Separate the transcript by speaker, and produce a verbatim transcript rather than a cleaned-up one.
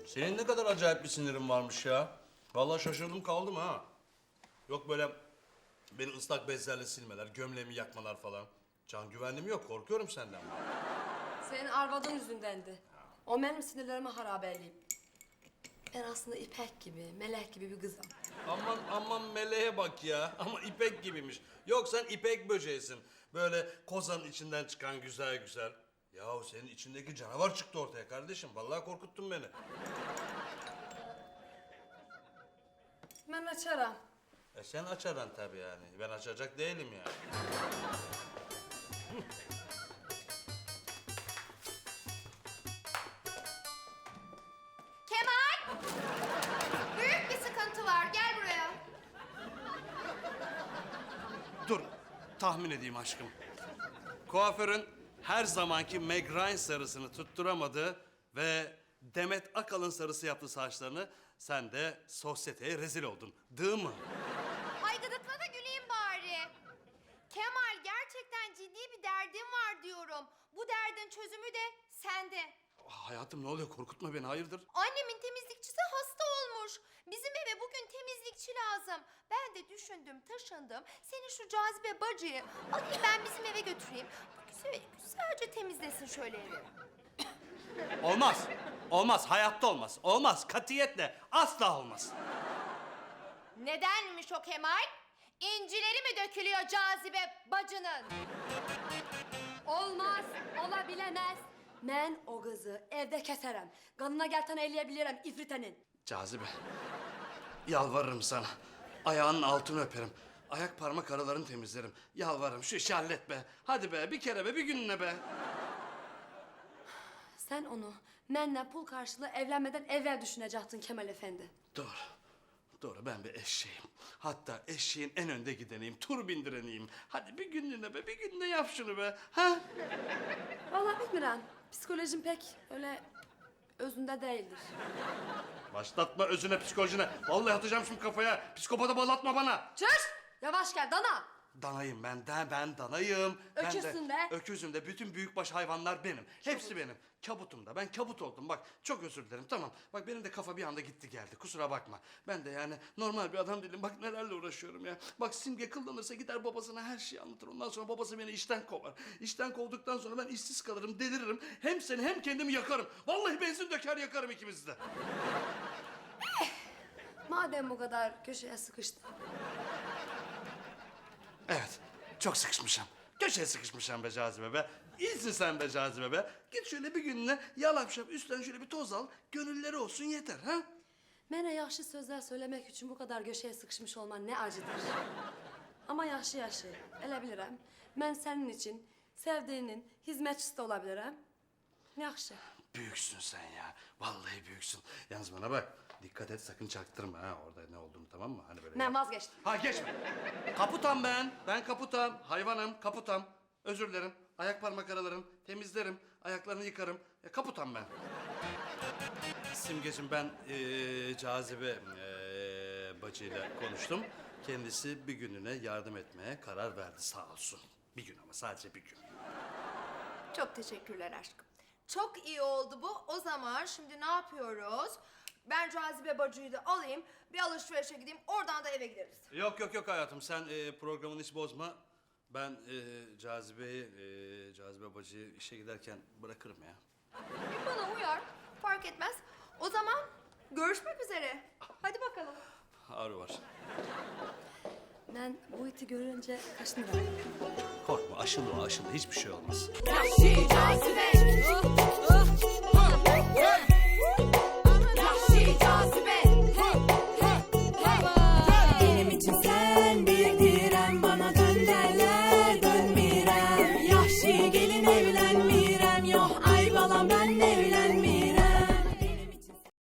Speaker 1: Senin ne kadar acayip bir sinirin varmış ya. Vallahi şaşırdım kaldım ha. Yok böyle beni ıslak bezlerle silmeler, gömleğimi yakmalar falan. Can güvenliğim yok, korkuyorum senden.
Speaker 2: Senin arvadın yüzündendi. O benim sinirlerimi harabeleyip. Ben aslında İpek gibi, melek gibi bir kızım.
Speaker 1: Aman aman meleğe bak ya. Ama ipek gibiymiş. Yok sen ipek böceğisin. Böyle kozanın içinden çıkan güzel güzel. Yahu senin içindeki canavar çıktı ortaya kardeşim. Vallahi korkuttun beni.
Speaker 2: Ben açarım.
Speaker 1: E sen açaran tabii yani. Ben açacak değilim yani.
Speaker 3: Kemal! Büyük bir sıkıntı var. Gel buraya.
Speaker 1: Dur, tahmin edeyim aşkım. Kuaförün her zamanki Meg Ryan sarısını tutturamadı ve Demet Akalın sarısı yaptı saçlarını. Sen de sosyeteye rezil oldun, değil mi?
Speaker 3: Ay gıdıkla da güleyim bari. Kemal gerçekten ciddi bir derdim var diyorum. Bu derdin çözümü de sende.
Speaker 1: Hayatım ne oluyor? Korkutma beni, hayırdır?
Speaker 3: Annemin temizlikçisi hasta olmuş. Bizim eve bugün temizlikçi lazım. Ben de düşündüm, taşındım. Seni şu cazibe bacıyı alayım ben bizim eve götüreyim. Bu güzel, güzelce temizlesin şöyle evi.
Speaker 1: Olmaz, olmaz, hayatta olmaz. Olmaz, katiyetle, asla olmaz.
Speaker 3: Nedenmiş o Kemal? İncileri mi dökülüyor cazibe bacının?
Speaker 2: Olmaz, olabilemez. Ben o kızı evde keserim. Kanına gelten eyleyebilirim ifritenin.
Speaker 1: Cazibe, yalvarırım sana. Ayağının altını öperim. Ayak parmak aralarını temizlerim. Yalvarırım, şu işi hallet be. Hadi be, bir kere be, bir gününe be.
Speaker 2: Sen onu benimle pul karşılığı evlenmeden evvel düşünecektin Kemal Efendi.
Speaker 1: Doğru. Doğru, ben bir eşeğim. Hatta eşeğin en önde gideneyim, tur bindireneyim. Hadi bir günlüğüne be, bir günde yap şunu be. Ha?
Speaker 2: Vallahi bilmiyorum. Psikolojim pek öyle özünde değildir.
Speaker 1: Başlatma özüne, psikolojine. Vallahi atacağım şimdi kafaya. Psikopata bağlatma bana.
Speaker 2: Çüş! Yavaş gel dana.
Speaker 1: Danayım ben, de, ben danayım.
Speaker 2: Öküzsün
Speaker 1: ben
Speaker 2: de.
Speaker 1: Öküzüm de, bütün büyükbaş hayvanlar benim. Hepsi benim. Kabutum da, ben kabut oldum. Bak çok özür dilerim, tamam. Bak benim de kafa bir anda gitti geldi, kusura bakma. Ben de yani normal bir adam değilim. Bak nelerle uğraşıyorum ya. Bak Simge kıllanırsa gider babasına her şeyi anlatır. Ondan sonra babası beni işten kovar. İşten kovduktan sonra ben işsiz kalırım, deliririm. Hem seni hem kendimi yakarım. Vallahi benzin döker yakarım ikimizi de.
Speaker 2: Madem bu kadar köşeye sıkıştın.
Speaker 1: Evet, çok sıkışmışım. Köşeye sıkışmışım be Cazibe be. İyisin sen be Cazibe be. Git şöyle bir gününe yalap şap üstten şöyle bir toz al. Gönülleri olsun yeter ha.
Speaker 2: Mene yaxşı sözler söylemek için bu kadar köşeye sıkışmış olman ne acıdır. Ama yaxşı yaxşı, elə bilirəm. Ben senin için sevdiğinin hizmetçisi de olabilirim. Yaxşı.
Speaker 1: Büyüksün sen ya. Vallahi büyüksün. Yalnız bana bak. Dikkat et sakın çaktırma ha orada ne olduğunu, tamam mı? Hani böyle.
Speaker 2: Ben
Speaker 1: yap-
Speaker 2: vazgeçtim.
Speaker 1: Ha geçme. Kaputam ben. Ben kaputam. Hayvanım kaputam. Özür dilerim. Ayak parmak aralarım. Temizlerim. Ayaklarını yıkarım. Ya, kaputam ben. Simgeciğim ben eee, Cazibe eee, bacıyla konuştum. Kendisi bir gününe yardım etmeye karar verdi sağ olsun. Bir gün ama sadece bir gün.
Speaker 3: Çok teşekkürler aşkım. Çok iyi oldu bu. O zaman şimdi ne yapıyoruz? Ben cazibe bacıyı da alayım. Bir alışverişe gideyim. Oradan da eve gideriz.
Speaker 1: Yok yok yok hayatım sen eee, programını hiç bozma. Ben eee Cazibe'yi, eee, Cazibe bacıyı işe giderken bırakırım ya.
Speaker 3: Bana uyar. Fark etmez. O zaman görüşmek üzere. Hadi bakalım.
Speaker 1: Ağrı var.
Speaker 2: Ben bu iti görünce kaşınırım.
Speaker 1: Korkma aşılı o aşılı hiçbir şey olmaz.
Speaker 2: Yahşi cazibe. Oh, oh.